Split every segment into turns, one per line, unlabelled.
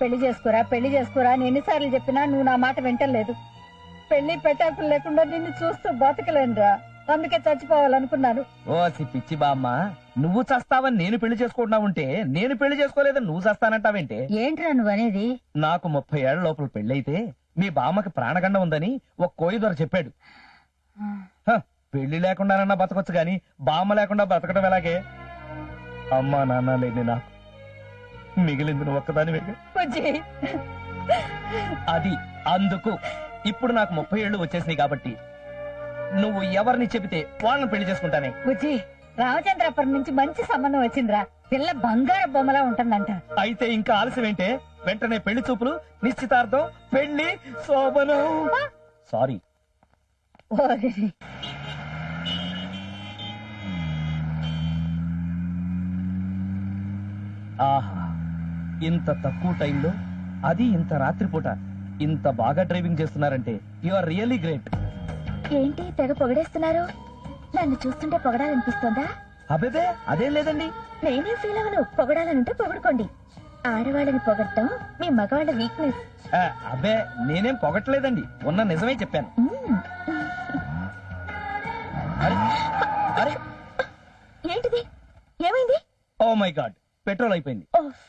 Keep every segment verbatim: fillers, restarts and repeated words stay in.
పెళ్లి చేసుకోరా పెళ్లి చేసుకోరా అని ఎన్నిసార్లు చెప్పినా నువ్వు నా మాట వింటలేదు. పెళ్లి పెట్టాకులు లేకుండా నిన్ను చూస్తూ బతకలేనురా, అందుకే చచ్చిపోవాలనుకున్నాను.
ఓ పిచ్చి బామ్మ, నువ్వు చస్తావని నేను పెళ్లి చేసుకుంటున్నావుంటే నేను పెళ్లి చేసుకోలేదని నువ్వు చస్తానంటావేంటే?
ఏంట్రా నువ్వు అనేది?
నాకు ముప్పై ఏళ్ల లోపల పెళ్లైతే మీ బామ్మకి ప్రాణగండం ఉందని ఒక కోయి దొర చెప్పాడు. హ, పెళ్లి లేకుండానన్నా బతకొచ్చు గాని బామ్మ లేకుండా బతకడం ఎలాగే? అమ్మా నాన్న లేని నాకు మిగిలింది నువ్వు ఒక్కదాని. అది అందుకు ఇప్పుడు నాకు ముప్పై ఏళ్ళు వచ్చేసినాయి కాబట్టి నువ్వు ఎవరిని చెబితే వాళ్ళని పెళ్లి చేసుకుంటానే.
బుజ్జి, రామచంద్రాపురం నుంచి మంచి సంబంధం వచ్చిందిరా. పిల్ల బంగారు బొమ్మలా ఉంటుందంట.
అయితే ఇంకా ఆలస్యం ఏంటే? వెంటనే పెళ్లి చూపులు, నిశ్చితార్థం, పెళ్లి శోభనం. సారీ. ఆహా, ఇంత తక్కువ టైంలో, అది ఇంత రాత్రిపూట ఇంత బాగా డ్రైవింగ్ చేస్తున్నారంటే యు ఆర్ రియల్లీ గ్రేట్.
ఏంటి తెగ పొగడేస్తున్నారు? నన్ను చూస్తుంటే పొగడాలనిపిస్తోందా?
అబేబే అదేం లేదండి.
నేనేం ఫీల్ అవను. పొగడాలనుంటే పొగడుకోండి. ఆడవాళ్ళని పొగడటం మీ మగవాళ్ళ వీక్నెస్.
ఆ, అబ్బే నేనేం పొగట్లేదండి, ఉన్న నిజమే చెప్పాను. అరే అరే
ఏంటిది? ఏమైంది?
ఓ మై గాడ్, పెట్రోల్ అయిపోయింది.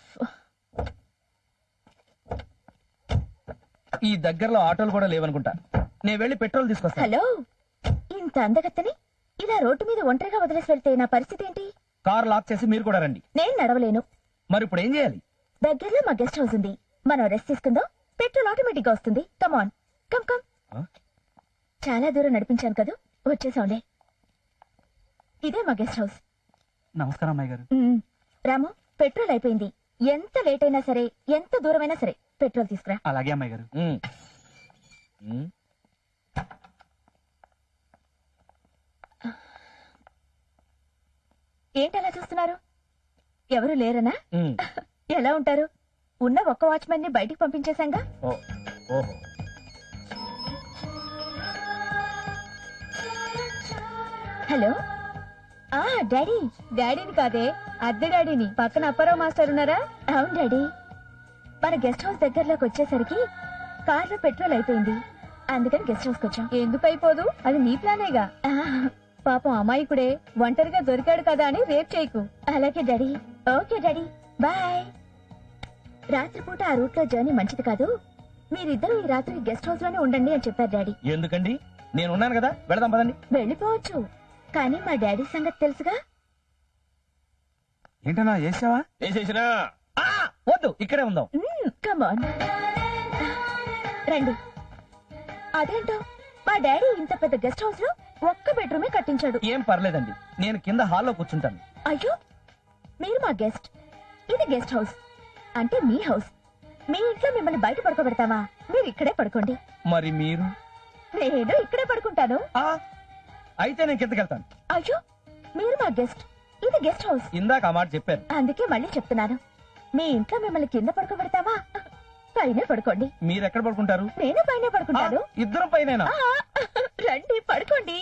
ఈ దగ్గరలో ఆటోలు కూడా లేవనుకుంటా. నేను వెళ్ళి పెట్రోల్ తీసుకొస్తా.
హలో, ఇంత అందగత్తని ఇలా రోడ్డు మీద ఒంటరిగా వదిలేసి వెళ్తే నా పరిస్థితి ఏంటి?
కార్ లాక్ చేసి మీరు కూడా రండి.
నేను నడవలేను.
మరి ఇప్పుడు ఏం చేయాలి?
దగ్గరలో మా గెస్ట్ హౌస్ ఉంది, మనం రెస్ట్ తీసుకుందాం. పెట్రోల్ ఆటోమేటిక్ గా వస్తుంది. Come on, come come. చాలా దూరం నడిపించాను కదా, వచ్చేసాంలే. ఇదే మా గెస్ట్ హౌస్.
నమస్కారం అమ్మాయి గారు.
రాము, పెట్రోల్ అయిపోయింది. ఎంత లేట్ అయినా సరే, ఎంత దూరమైనా సరే పెట్రోల్ తీసుకురా.
అలాగే అమ్మాయి గారు.
ఏంటి అలా చూస్తున్నారు? ఎవరు లేరనా? ఎలా ఉంటారు? ఉన్న ఒక్క వాచ్మెన్ ని బయటికి పంపించేశాంగా. హలో. ఆ డాడీ. డాడీని కాదే, అద్దె డాడీని. పక్కన అప్పారావు మాస్టర్ ఉన్నారా? అవును డాడీ. మన గెస్ట్ హౌస్ దగ్గరలోకి వచ్చేసరికి కార్లో పెట్రోల్ అయిపోయింది, అందుకని గెస్ట్ హౌస్ వచ్చాం. ఎందుకు అయిపోదు, అది నీ ప్లానేగా. పాపం అమాయకుడే ఒంటరిగా దొరికాడు కదా అని రేప్ చేయకు. అలాగే డాడీ. Okay daddy, bye. రాత్రిపూట ఆ రూట్ లో జర్నీ మంచిది కాదు, మీరిద్దరూ ఈ రాత్రి గెస్ట్ హౌస్ లోనే ఉండండి అని చెప్పారు డాడీ.
ఎందుకండి? నేను ఉన్నాను కదా, వెళదాం పదండి.
వెళ్ళిపోవచ్చు, కానీ మా డాడీ సంగతి తెలుసుగా.
ఏంటన్నా చేసావా? చేసేసినా. వద్దు, ఇక్కడే ఉందాం.
కమాన్ రండి. అదేంటో మా డాడీ ఇంత పెద్ద గెస్ట్ హౌస్ లో ఒక్క బెడ్రూమే కట్టించాడు.
ఏం పర్లేదండి, నేను కింద హాల్లో కూర్చుంటాను.
అయ్యో, మీరు మా గెస్ట్, ఇది గెస్ట్ హౌస్ అంటే మీ హౌస్. మీ ఇంట్లో మిమ్మల్ని బయట పడుకోబెడతావా? మీరు ఇక్కడే పడుకోండి.
మరి మీరు?
నేను ఇక్కడే పడుకుంటాను.
అయితే నేను కిందకెళ్తాను.
అయ్యో, మీరు మా గెస్ట్, ఇది గెస్ట్ హౌస్.
ఇందాక ఆ మాట చెప్పారు.
అందుకే మళ్ళీ చెప్తున్నాను, మీ ఇంట్లో మిమ్మల్ని కింద పడుకోబెడతావా? పైన పడుకోండి.
మీరు ఎక్కడ పడుకుంటారు?
నేను పైన పడుకుంటాను.
ఇద్దరు పైన.
రండి పడుకోండి.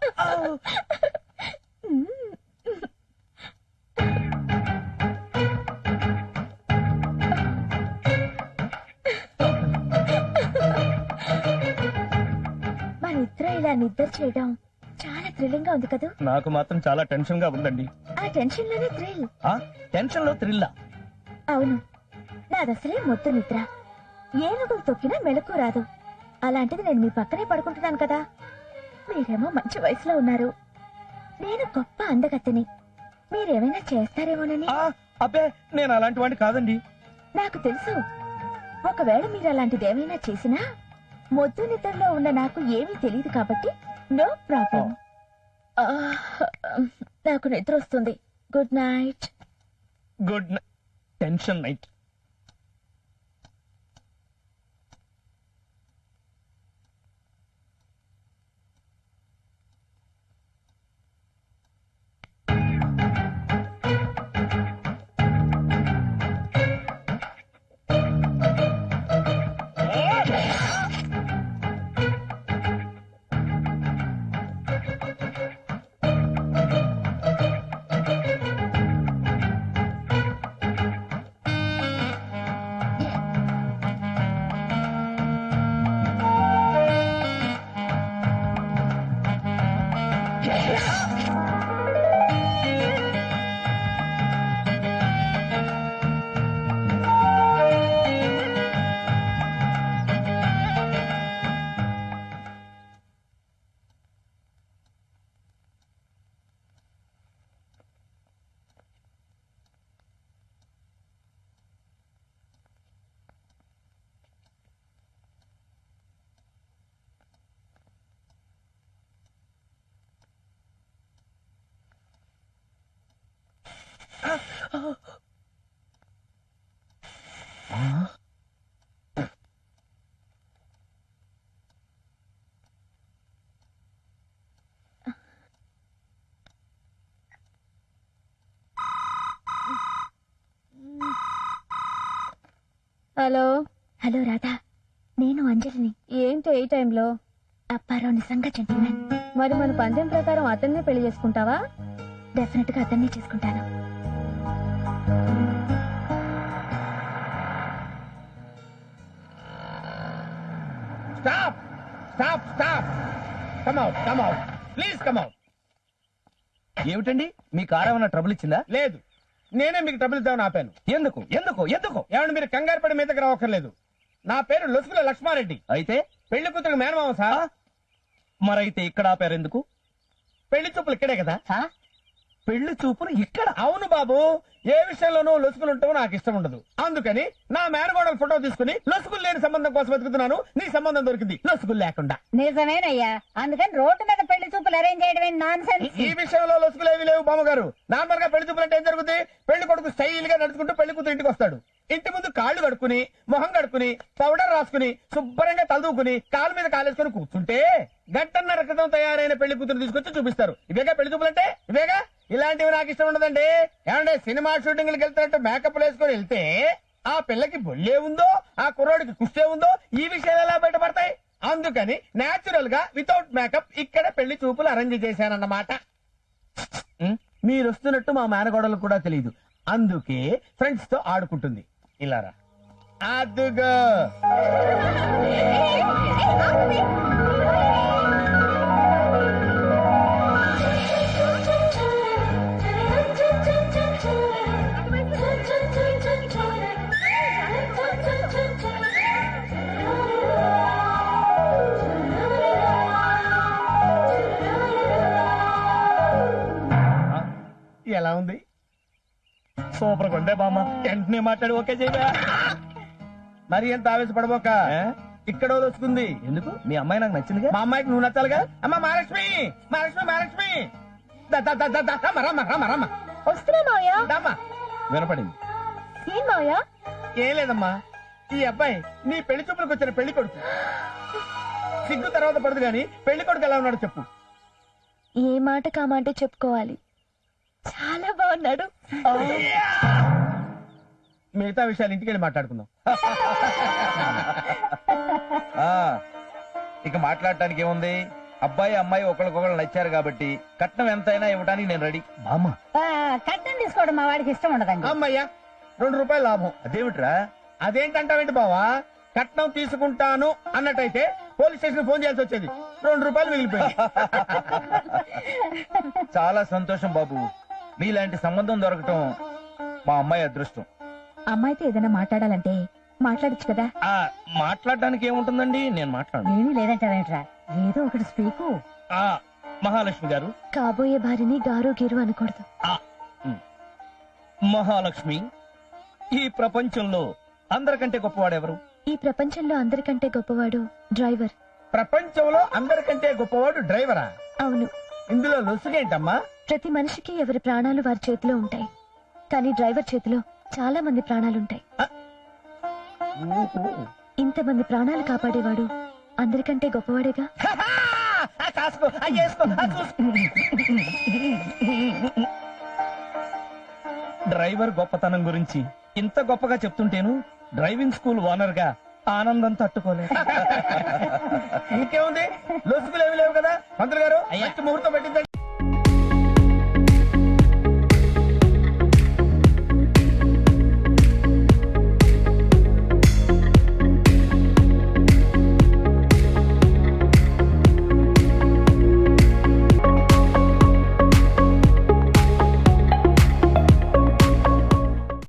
మన ఇద్దరు ఇలా నిద్ర చేయడం చాలా థ్రిల్లింగ్ గా ఉంది కదా.
నాకు మాత్రం చాలా టెన్షన్ గా ఉందండి.
ఆ టెన్షన్ లోనే థ్రిల్.
టెన్షన్ లో థ్రిల్లా?
అవును, నాదసలే మొద్దు నిద్ర, ఏనుగులు తొక్కినా మెలకు రాదు. అలాంటిది నేను మీ పక్కనే పడుకుంటున్నాను కదా. మీరేమో మంచి వయసులో ఉన్నారు, నేను గొప్ప అందగత్తెని. మీరేమైనా చేస్తారేమోనని.
అబ్బే, నేను అలాంటి వాడిని కాదండి.
నాకు తెలుసు, ఒకవేళ మీరు అలాంటిది ఏమైనా చేసినా మొద్దు నిద్రలో ఉన్న నాకు ఏమీ తెలియదు కాబట్టి నో ప్రాబ్లం. నాకు నిద్ర వస్తుంది. Good night.
Good night. Tension night.
Hello hello Radha, నేను అంజలిని. ఏంటి ఈ టైంలో? అప్పారావు నిజంగా జెంటిల్మెన్. మరి మన పందెం ప్రకారం అతన్నే పెళ్లి చేసుకుంటావా? డెఫినెట్ గా అతన్నే చేసుకుంటాను.
Stop stop stop come out come out please come out.
ఏమిటండి మీ కారు ఏమైనా ట్రబుల్ ఇచ్చిందా?
లేదు, నేనే మీకు ట్రబుల్ ఇద్దామని ఆపాను.
ఎందుకు ఎందుకు ఎందుకు?
ఏమంటే మీరు కంగారు పడి మీదకి రావక్కర్లేదు. నా పేరు లొసుగుల లక్ష్మారెడ్డి.
అయితే
పెళ్లి కూతురు మేనమామ సార్.
మరైతే ఇక్కడ ఆపారు ఎందుకు?
పెళ్లి చూపులు ఇక్కడే కదా.
పెళ్లి చూపులు ఇక్కడ?
అవును బాబు, ఏ విషయంలోనూ లొసుగులు ఉంటావో నాకు ఇష్టం ఉండదు. అందుకని నా మేనగోడల ఫోటో తీసుకుని లొసుగులు లేని సంబంధం కోసం వెతుకుతున్నాను. నీ సంబంధం దొరికింది లొసుగులు లేకుండా.
నిజమేనయ్యా, అందుకని రోడ్డు మీద పెళ్లి చూపులు అరేంజ్ చేయడమే నాన్ సెన్స్.
ఈ విషయంలో లొసుగులు ఏవి లేవు బామ్మగారు. నార్మల్ గా పెళ్లి చూపులు అంటే ఏం జరుగుతుంది? పెళ్లి కొడుకు స్టైల్ గా నడుచుకుంటూ పెళ్లి కూతురు ఇంటికి వస్తాడు. ఇంటి ముందు కాళ్ళు కడుక్కుని మొహం కడుక్కుని పౌడర్ రాసుకుని శుభ్రంగా తలదూకుని కాలు మీద కాలేసుకుని కూర్చుంటే గంటన్నర క్రితం తయారైన పెళ్లి కూతురు తీసుకొచ్చి చూపిస్తారు. ఇవేగా పెళ్లి చూపులు అంటే, ఇవేగా. ఇలాంటివి నాకు ఇష్టం ఉండదండి. ఏమంటే సినిమా షూటింగ్లకు వెళ్తున్నట్టు మేకప్ వేసుకొని వెళ్తే ఆ పిల్లకి బొల్లే ఉందో ఆ కుర్రోడికి కుష్టే ఉందో ఈ విషయాలు ఎలా బయటపడతాయి? అందుకని నేచురల్ గా వితౌట్ మేకప్ ఇక్కడ పెళ్లి చూపులు అరేంజ్ చేశానన్నమాట. మీరు వస్తున్నట్టు మా మేనగోడలు కూడా తెలియదు. అందుకే ఫ్రెండ్స్ తో ఆడుకుంటుంది. ఇలారా అదుగో. ఎలా ఉంది?
సూపర్ కొండే బామ్మ. వెంటనే మాట్లాడి ఓకే చేయబా.
మరి ఎంత ఆవేశపడబోక. ఇక్కడ వస్తుంది.
ఎందుకు? మీ అమ్మాయి నాకు నచ్చిందిగా.
మా అమ్మాయికి నువ్వు నచ్చాలిగా. అమ్మ మహాలక్ష్మి మహాలక్ష్మి మహాలక్ష్మి ద- ద- ద- ద- ద- రమ్మ, రమ్మ, రమ్మ, రమ్మ.
వస్తున్నా మావయ్య.
దమ్మా.
వినపడింది.
ఏం మావయ్య?
ఏం లేదమ్మా, ఈ అబ్బాయి నీ పెళ్లి చూపులకు వచ్చిన పెళ్లి కొడుకు. సిగ్గు తర్వాత పడదు గాని పెళ్లి కొడుకు ఎలా ఉన్నాడు చెప్పు.
ఏ మాట కామంటే చెప్పుకోవాలి. చాలా బాగున్నాడు.
మిగతా విషయాలు ఇంటికి వెళ్ళి మాట్లాడుకుందాం.
ఆ ఇక మాట్లాడటానికి ఏముంది? అబ్బాయి అమ్మాయి ఒకరికొకరు నచ్చారు కాబట్టి కట్నం ఎంతైనా ఇవ్వడానికి నేను రెడీ. బామ్మ
కట్నం తీసుకోవడం మా వాడికి ఇష్టం ఉండదండి.
అమ్మయ్యా, రెండు రూపాయలు లాభం.
అదేమిట్రా?
అదేంటంటావేంటి బావా? కట్నం తీసుకుంటాను అన్నట్టయితే పోలీస్ స్టేషన్ ఫోన్ చేయాల్సి వచ్చేది. రెండు రూపాయలు మిగిలిపోయింది.
చాలా సంతోషం బాబు. మీలాంటి సంబంధం దొరకటం మా అమ్మాయి అదృష్టం.
అమ్మాయితో ఏదైనా మాట్లాడాలంటే మాట్లాడచ్చు కదా.
ఆ మాట్లాడడానికి ఏముంటుందండి, నేను మాట్లాడను.
ఏమీ లేదంటావేంట్రా, ఏదో ఒకటి స్పీకు.
ఆ మహాలక్ష్మి గారు.
కాబోయే భార్యని గారు గీరు అనకూడదు.
ఆ ఉమ్. మహాలక్ష్మి, ఈ ప్రపంచంలో అందరికంటే గొప్పవాడెవరు?
ఈ ప్రపంచంలో అందరికంటే గొప్పవాడు డ్రైవర్.
ప్రపంచంలో అందరికంటే గొప్పవాడు డ్రైవరా?
అవును.
ఇందులో లొసుగేంటమ్మా?
ప్రతి మనిషికి ఎవరి ప్రాణాలు వారి చేతిలో ఉంటాయి, కానీ డ్రైవర్ చేతిలో చాలా మంది ప్రాణాలుంటాయి.
ఊహు.
ఇంతమంది ప్రాణాలు కాపాడేవాడు అందరికంటే గొప్పవాడేగా.
ఆ కాసుకో, ఆ చేసుకో, ఆ చూసుకో.
డ్రైవర్ గొప్పతనం గురించి ఇంత గొప్పగా చెప్తుంటేను డ్రైవింగ్ స్కూల్ ఓనర్ గా ఆనందం తట్టుకోలేదు.
ఇంకేముంది, లొసుగులు ఏమి లేవు కదా. మంత్రి గారు, మంచి ముహూర్తం పెట్టిందండి.